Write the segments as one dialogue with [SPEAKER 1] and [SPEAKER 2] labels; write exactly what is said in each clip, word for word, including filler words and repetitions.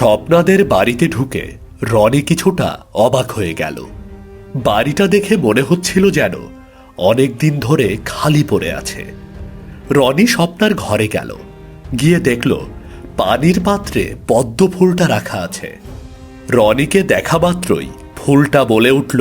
[SPEAKER 1] স্বপ্নাদের বাড়িতে ঢুকে রনি কিছুটা অবাক হয়ে গেল। বাড়িটা দেখে মনে হচ্ছিল যেন অনেক দিন ধরে খালি পড়ে আছে। রনি স্বপ্নার ঘরে গেল, গিয়ে দেখল পানির পাত্রে পদ্ম ফুলটা রাখা আছে। রনিকে দেখা মাত্রই ফুলটা বলে উঠল,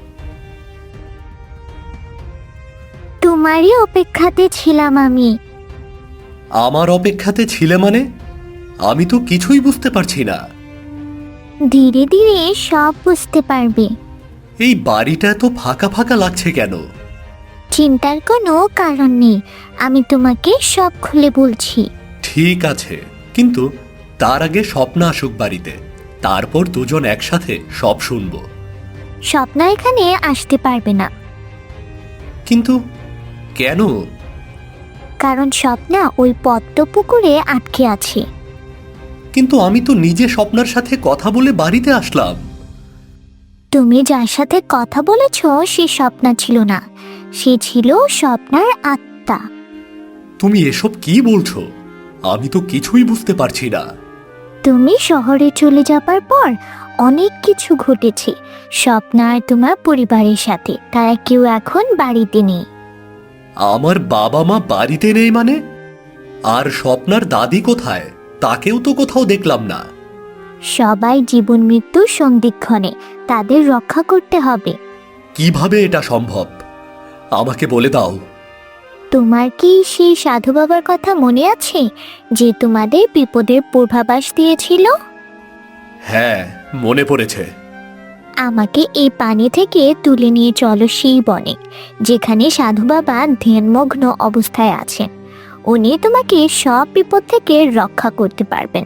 [SPEAKER 2] তোমারই অপেক্ষাতে ছিলাম আমি।
[SPEAKER 1] আমার অপেক্ষাতে ছিলে মানে? আমি তো কিছুই বুঝতে পারছি না।
[SPEAKER 2] ধীরে ধীরে সব বুঝতে পারবে।
[SPEAKER 1] এই বাড়িটা এত ফাঁকা ফাঁকা লাগছে কেন?
[SPEAKER 2] চিন্তার কোনো কারণ নেই, আমি তোমাকে সব খুলে বলছি।
[SPEAKER 1] ঠিক আছে, কিন্তু তার আগে স্বপ্না আসুক বাড়িতে, তারপর দুজন একসাথে সব শুনবো।
[SPEAKER 2] স্বপ্না এখানে আসতে পারবে না।
[SPEAKER 1] কিন্তু কেন?
[SPEAKER 2] কারণ স্বপ্না ওই পদ্ম পুকুরে আটকে আছে।
[SPEAKER 1] কিন্তু আমি তো নিজে স্বপ্নার সাথে কথা বলে বাড়িতে আসলাম।
[SPEAKER 2] তুমি যার সাথে কথা বলেছ সে স্বপ্না ছিল না, সে ছিল স্বপ্নার আত্মা।
[SPEAKER 1] তুমি এসব কি বলছো? আমি তো কিছুই বুঝতে পারছি না।
[SPEAKER 2] তুমি শহরে চলে যাবার পর অনেক কিছু ঘটেছে স্বপ্না আর তোমার পরিবারের সাথে, তারা কেউ এখন বাড়িতে নেই।
[SPEAKER 1] আমার বাবা মা বাড়িতে নেই মানে? আর স্বপ্নার দাদি কোথায়? তাকেও তো কোথাও দেখলাম না।
[SPEAKER 2] সবাই জীবন মৃত্যুর সন্ধিক্ষণে, তাদের রক্ষা করতে হবে।
[SPEAKER 1] কিভাবে এটা সম্ভব? আমাকে বলে দাও।
[SPEAKER 2] তোমার কি সেই সাধু বাবার কথা মনে আছে, যে তোমাদের বিপদের পূর্বাভাস দিয়েছিল?
[SPEAKER 1] হ্যাঁ, মনে পড়েছে।
[SPEAKER 2] আমাকে এই পানি থেকে তুলে নিয়ে চলো সেই বনে, যেখানে সাধু বাবা ধ্যানমগ্ন অবস্থায় আছেন। উনি তোমাকে সব বিপদ থেকে রক্ষা করতে পারবেন।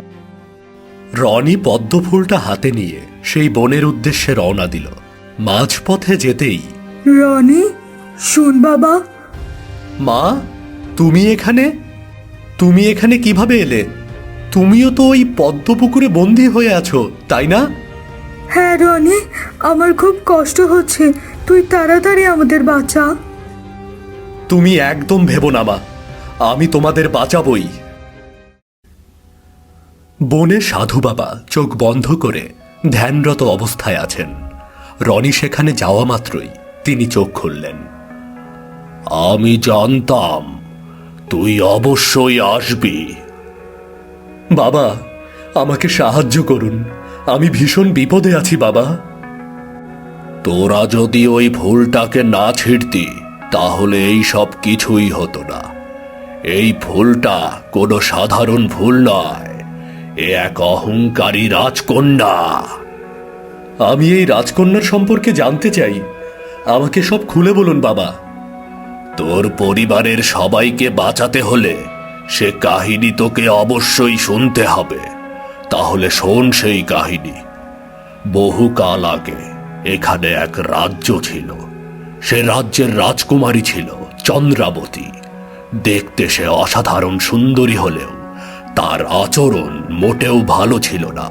[SPEAKER 1] রনি পদ্ম ফুলটা হাতে নিয়ে সেই বনের উদ্দেশ্যে রওনা দিল। মাঝপথে যেতেই,
[SPEAKER 3] রনি, শোন বাবা।
[SPEAKER 1] মা, তুমি এখানে? তুমি এখানে কিভাবে এলে? তুমিও তো ওই পদ্ম পুকুরে বন্দী হয়ে আছো, তাই না?
[SPEAKER 3] হ্যাঁ রনি, আমার খুব কষ্ট হচ্ছে, তুই তাড়াতাড়ি আমাদের বাঁচা।
[SPEAKER 1] তুমি একদম ভেবো না মা, আমি তোমাদের বাঁচাবই। বনে সাধু বাবা চোখ বন্ধ করে ধ্যানরত অবস্থায় আছেন। রনি সেখানে যাওয়া মাত্রই তিনি চোখ খুললেন। আমি জানতাম তুই অবশ্যই আসবি। বাবা, আমাকে সাহায্য করুন, আমি ভীষণ বিপদে আছি বাবা। তোরা যদি ওই ফুলটাকে না ছিঁড়তি তাহলে এই সব কিছুই হতো না। এই ফুলটা কোনো সাধারণ ফুল নয়, এ এক অহংকারী রাজকন্যা। আমি এই রাজকন্যার সম্পর্কে জানতে চাই, আমাকে সব খুলে বলুন বাবা। তোর পরিবারের সবাইকে বাঁচাতে হলে সে কাহিনী তোকে অবশ্যই শুনতে হবে। তাহলে শোন সেই কাহিনী। বহুকাল আগে এখানে এক রাজ্য ছিল। সে রাজ্যের রাজকুমারী ছিল চন্দ্রাবতী। দেখতে সে অসাধারণ সুন্দরী হলেও তার আচরণ মোটেও ভালো ছিল না।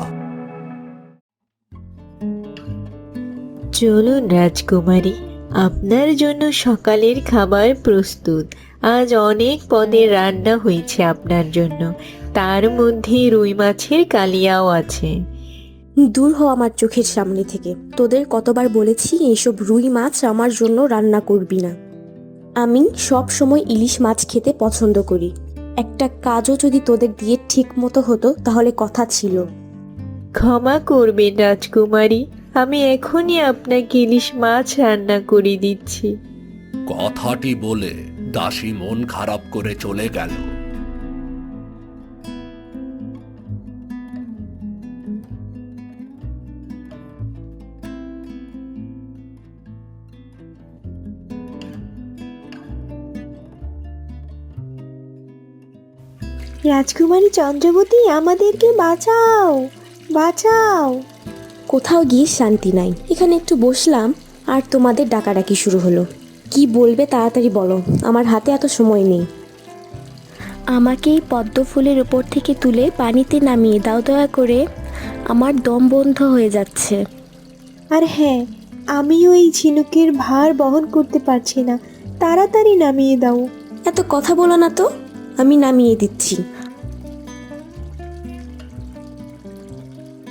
[SPEAKER 4] চলুন রাজকুমারী, আপনার জন্য সকালের খাবার প্রস্তুত। আজ অনেক পদের রান্না হয়েছে আপনার জন্য, তার মধ্যে রুই মাছের কালিয়াও আছে।
[SPEAKER 5] দূর হ আমার চোখের সামনে থেকে। তোদের কতবার বলেছি এইসব রুই মাছ আমার জন্য রান্না করবি না। আমি সব সময় ইলিশ মাছ খেতে পছন্দ করি। একটা কাজও যদি তোদের দিয়ে ঠিক মতো হতো তাহলে কথা ছিল।
[SPEAKER 4] ক্ষমা করবেন রাজকুমারী, আমি এখনই আপনাকে ইলিশ মাছ রান্না করে দিচ্ছি।
[SPEAKER 1] কথাটি বলে দাসী মন খারাপ করে চলে গেল।
[SPEAKER 4] রাজকুমারী চন্দ্রবতী, আমাদেরকে বাঁচাও, বাঁচাও।
[SPEAKER 5] কোথাও গিয়ে শান্তি নাই। এখানে একটু বসলাম আর তোমাদের ডাকাডাকি শুরু হলো। কি বলবে তাড়াতাড়ি বলো, আমার হাতে এত সময় নেই। আমাকে এই পদ্ম ফুলের উপর থেকে তুলে পানিতে নামিয়ে দাও দয়া করে, আমার দম বন্ধ হয়ে যাচ্ছে।
[SPEAKER 6] আর হ্যাঁ, আমিও এই ঝিনুকের ভার বহন করতে পারছি না, তাড়াতাড়ি নামিয়ে দাও।
[SPEAKER 5] এত কথা বলো না তো, আমি নামিয়ে দিচ্ছি।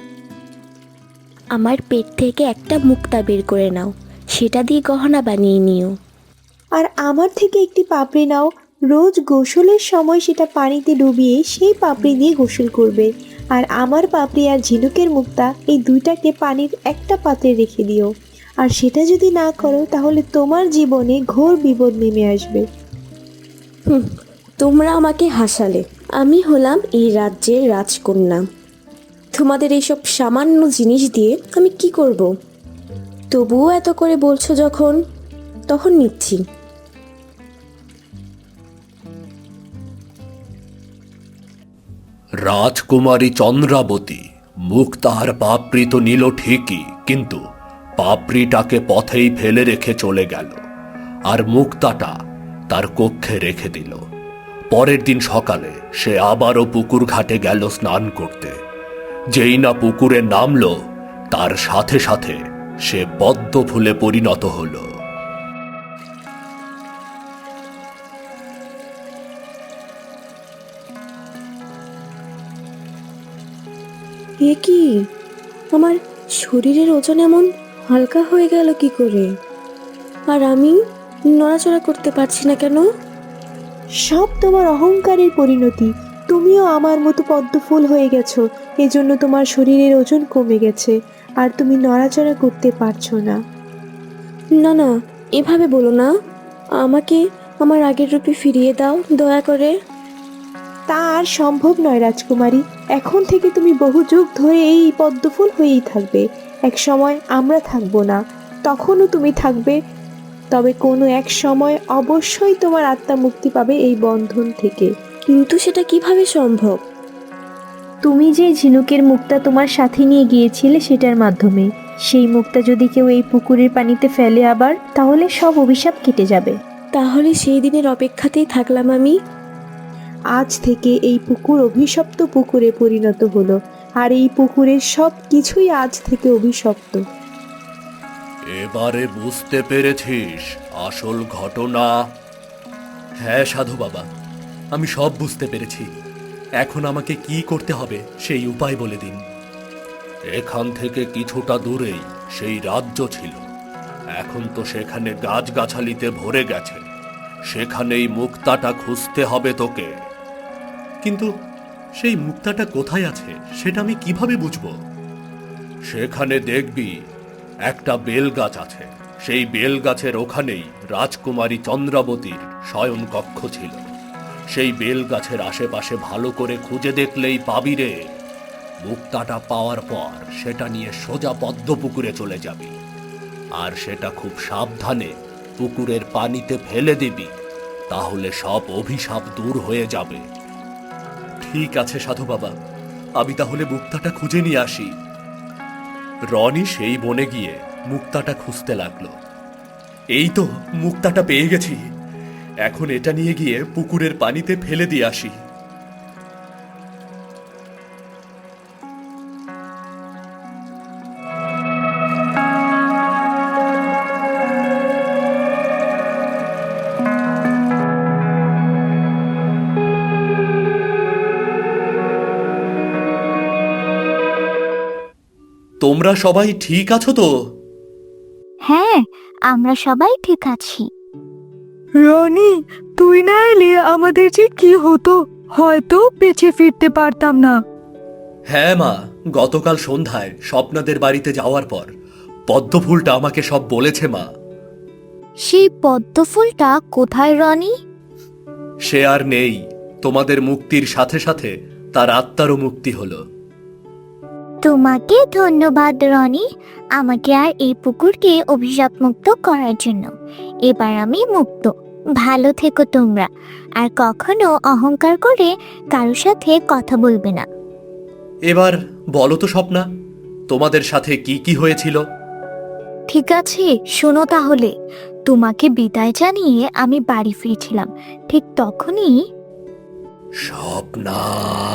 [SPEAKER 5] আমার পেট থেকে একটা মুক্তা বের করে নাও, সেটা দিয়ে গহনা বানিয়ে নিও।
[SPEAKER 6] আর আমার থেকে একটি পাপড়ি নাও, রোজ গোসলের সময় সেটা পানিতে ডুবিয়ে সেই পাপড়ি দিয়ে গোসল করবে। আর আমার পাপড়ি আর ঝিনুকের মুক্তা এই দুইটাকে পানির একটা পাত্রে রেখে দিও। আর সেটা যদি না করো তাহলে তোমার জীবনে ঘোর বিপদ নেমে আসবে।
[SPEAKER 5] হুম, তোমরা আমাকে হাসালে। আমি হলাম এই রাজ্যের রাজকন্যা। তোমাদের এইসব সামান্য জিনিস দিয়ে আমি কি করব? তবুও এত করে বলছো যখন, তখন নিচ্ছি।
[SPEAKER 1] রাজকুমারী চন্দ্রাবতী মুক্তার পাপড়ি তো নিল ঠিকই, কিন্তু পাপড়িটাকে পথেই ফেলে রেখে চলে গেল আর মুক্তাটা তার কক্ষে রেখে দিল। পরের দিন সকালে সে আবারও পুকুর ঘাটে গেল স্নান করতে। যেই না পুকুরে নামলো, তার সাথে সাথে সে পদ্ম ফুলে পরিণত হলো।
[SPEAKER 5] এ কি, আমার শরীরের ওজন এমন হালকা হয়ে গেল কি করে? আর আমি নড়াচড়া করতে পারছি না কেন?
[SPEAKER 6] সব তোমার অহংকারের পরিণতি। তুমিও আমার মতো পদ্মফুল হয়ে গেছো, এজন্য তোমার শরীরের ওজন কমে গেছে আর তুমি নড়াচড়া করতে পারছো না।
[SPEAKER 5] না না, এভাবে বলো না। আমাকে আমার আগের রূপে ফিরিয়ে দাও দয়া করে।
[SPEAKER 6] তা আর সম্ভব নয় রাজকুমারী। এখন থেকে তুমি বহু যুগ ধরে এই পদ্মফুল হয়েই থাকবে। এক সময় আমরা থাকবো না, তখনও তুমি থাকবে। তবে কোনো এক সময় অবশ্যই তোমার আত্মা মুক্তি পাবে এই বন্ধন থেকে।
[SPEAKER 5] কিন্তু সেটা কিভাবে সম্ভব?
[SPEAKER 7] তুমি যে ঝিনুকের মুক্তা তোমার সাথে নিয়ে গিয়েছিলে সেটার মাধ্যমে। সেই মুক্তা যদি কেউ এই পুকুরের পানিতে ফেলে আবার, তাহলে সব অভিশাপ কেটে যাবে।
[SPEAKER 5] তাহলে সেই দিনের অপেক্ষাতেই থাকলাম আমি।
[SPEAKER 6] আজ থেকে এই পুকুর অভিশপ্ত পুকুরে পরিণত হলো, আর এই পুকুরের সব কিছুই আজ থেকে অভিশপ্ত।
[SPEAKER 1] এবারে বুঝতে পেরেছিস আসল ঘটনা? হ্যাঁ সাধু বাবা, আমি সব বুঝতে পেরেছি। এখন আমাকে কি করতে হবে সেই উপায় বলে দিন। এখান থেকে কিছুটা দূরেই সেই রাজ্য ছিল, এখন তো সেখানে গাছগাছালিতে ভরে গেছে। সেখানেই মুক্তাটা খুঁজতে হবে তোকে। কিন্তু সেই মুক্তাটা কোথায় আছে সেটা আমি কিভাবে বুঝবো? সেখানে দেখবি একটা বেল গাছ আছে। সেই বেল গাছের ওখানেই রাজকুমারী চন্দ্রাবতীর শয়ন কক্ষ ছিল। সেই বেল গাছের আশেপাশে ভালো করে খুঁজে দেখলেই পাবি রে। মুক্তাটা পাওয়ার পর সেটা নিয়ে সোজা পদ্ম পুকুরে চলে যাবি, আর সেটা খুব সাবধানে পুকুরের পানিতে ফেলে দিবি। তাহলে সব অভিশাপ দূর হয়ে যাবে। ঠিক আছে সাধু বাবা, আমি তাহলে মুক্তাটা খুঁজে নিয়ে আসি। রনি সেই বনে গিয়ে মুক্তাটা খুঁজতে লাগলো। এই তো মুক্তাটা পেয়ে গেছি, এখন এটা নিয়ে গিয়ে পুকুরের পানিতে ফেলে দিয়ে আসি। তোমরা সবাই ঠিক আছো তো?
[SPEAKER 2] হ্যাঁ, আমরা সবাই ঠিক আছি।
[SPEAKER 3] রনি, তুই না এলে আমাদের যে কি হতো, হয়তো বেঁচে ফিরতে পারতাম না।
[SPEAKER 1] হ্যাঁ মা, গতকাল সন্ধ্যায় স্বপ্নাদের বাড়িতে যাওয়ার পর পদ্মফুলটা আমাকে সব বলেছে মা।
[SPEAKER 2] সেই পদ্ম ফুলটা কোথায় রনি?
[SPEAKER 1] সে আর নেই। তোমাদের মুক্তির সাথে সাথে তার আত্মারও মুক্তি হলো।
[SPEAKER 2] তোমাকে ধন্যবাদ রনি, আমাকে আর এই পুকুরকে অভিশাপ মুক্ত করার জন্য। এবার আমি মুক্ত। ভালো থেকো তোমরা, আর কখনো অহংকার করে কারোর সাথে কথা বলবে না।
[SPEAKER 1] এবার বলো তো স্বপ্না, তোমাদের সাথে কি কি হয়েছিল?
[SPEAKER 2] ঠিক আছে, শোনো তাহলে। তোমাকে বিদায় জানিয়ে আমি বাড়ি ফিরছিলাম, ঠিক তখনই
[SPEAKER 1] স্বপ্না,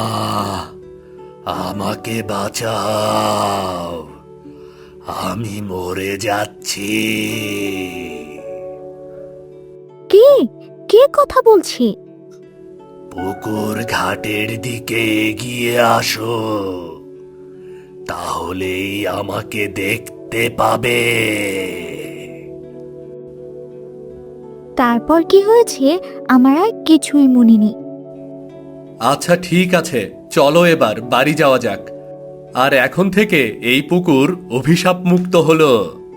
[SPEAKER 1] আমাকে বাঁচাও, আমি মরে যাচ্ছি।
[SPEAKER 2] কে কে কথা বলছি?
[SPEAKER 1] পুকুর ঘাটের দিকে এগিয়ে আসো। তাহলেই আমাকে দেখতে পাবে।
[SPEAKER 2] তারপর কি হয়েছে আমার আর কিছুই মনে নেই।
[SPEAKER 1] আচ্ছা ঠিক আছে, চলো এবার বাড়ি যাওয়া যাক। আর এখন থেকে এই পুকুর অভিশাপ মুক্ত হলো।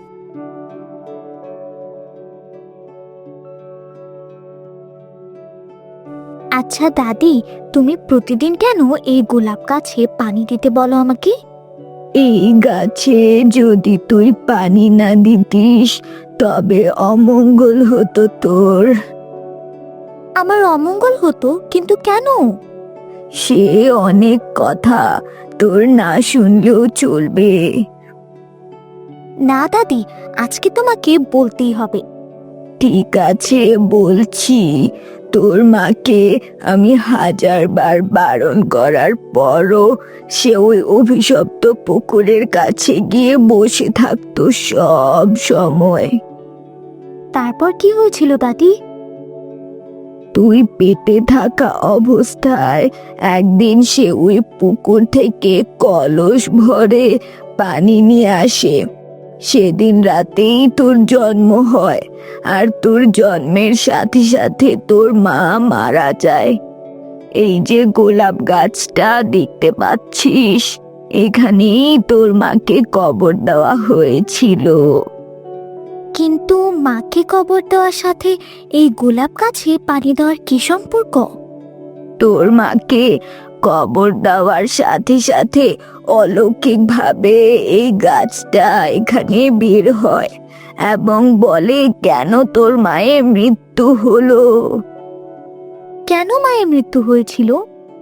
[SPEAKER 2] আচ্ছা দাদি, তুমি প্রতিদিন কেন এই গোলাপ গাছে পানি দিতে বলো আমাকে?
[SPEAKER 3] এই গাছে যদি তুই পানি না দিতিস তবে অমঙ্গল হতো তোর।
[SPEAKER 2] আমার অমঙ্গল হতো, কিন্তু কেন?
[SPEAKER 3] সে অনেক কথা, তোর না শুনলেও চলবে।
[SPEAKER 2] না দাদি, আজকে তোমাকে বলতেই হবে।
[SPEAKER 3] ঠিক আছে বলছি। তোর মাকে আমি হাজার বার বারণ করার পরও সে ওই অভিশপ্ত পুকুরের কাছে গিয়ে বসে থাকতো সব সময়।
[SPEAKER 2] তারপর কি হয়েছিল দাদি?
[SPEAKER 3] তুই পেটে থাকা অবস্থায় একদিন সে ওই পুকুর থেকে কলস ভরে পানি নিয়ে আসে। সেদিন রাতেই তোর জন্ম হয়, আর তোর জন্মের সাথে সাথে তোর মা মারা যায়। এই যে গোলাপ গাছটা দেখতে পাচ্ছিস, এখানেই তোর মাকে কবর দেওয়া হয়েছিল।
[SPEAKER 2] কিন্তু মাকে কবর দেওয়ার সাথে এই গোলাপ গাছে পানি দেওয়ার কি সম্পর্ক?
[SPEAKER 3] তোর মাকে কবর দেওয়ার সাথে সাথে অলৌকিকভাবে এই গাছটা এখানে বের হয় এবং বলে কেন তোর মায়ের মৃত্যু হলো।
[SPEAKER 2] কেন মায়ের মৃত্যু হয়েছিল?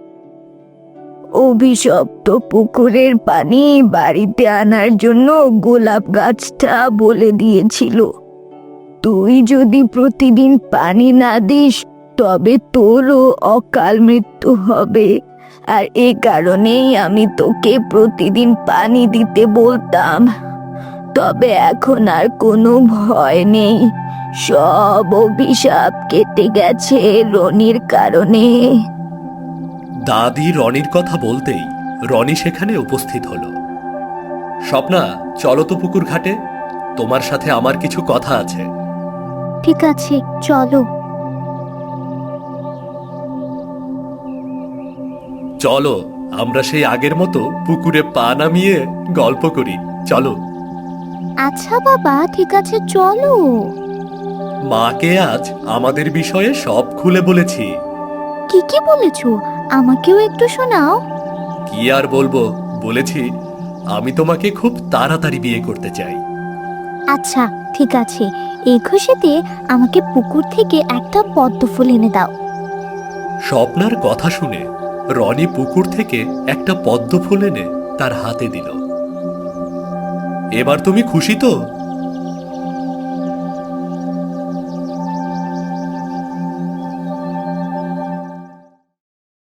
[SPEAKER 3] অভিশপ্ত পুকুরের পানি বাড়িতে আনার জন্য গোলাপ গাছটা বলে দিয়েছিল, তুই যদি প্রতিদিন পানি না দিস তবে তোরও অকাল মৃত্যু হবে। আর এ কারণেই আমি তোকে প্রতিদিন পানি দিতে বলতাম। তবে এখন আর কোনো ভয় নেই, সব অভিশাপ কেটে গেছে রনির কারণে।
[SPEAKER 1] দাদি রনির কথা বলতেই রনি সেখানে উপস্থিত হলো। স্বপ্না, চলো তো পুকুর ঘাটে, তোমার সাথে আমার কিছু কথা আছে।
[SPEAKER 2] ঠিক আছে, চলো।
[SPEAKER 1] চলো আমরা সেই আগের মতো পুকুরে পা নামিয়ে গল্প করি, চলো।
[SPEAKER 2] আচ্ছা বাবা, ঠিক আছে চলো।
[SPEAKER 1] মাকে আজ আমাদের বিষয়ে সব খুলে বলেছি।
[SPEAKER 2] কি কি বলেছো? আমাকেও একটু শোনাও।
[SPEAKER 1] কি আর বলবো, বলেছি আমি তোমাকে খুব তাড়াতাড়ি বিয়ে করতে চাই।
[SPEAKER 2] আচ্ছা ঠিক আছে, এই খুশিতে আমাকে পুকুর থেকে একটা পদ্ম ফুল এনে দাও।
[SPEAKER 1] স্বপ্নার কথা শুনে রনি পুকুর থেকে একটা পদ্ম ফুল এনে তার হাতে দিল। এবার তুমি খুশি তো?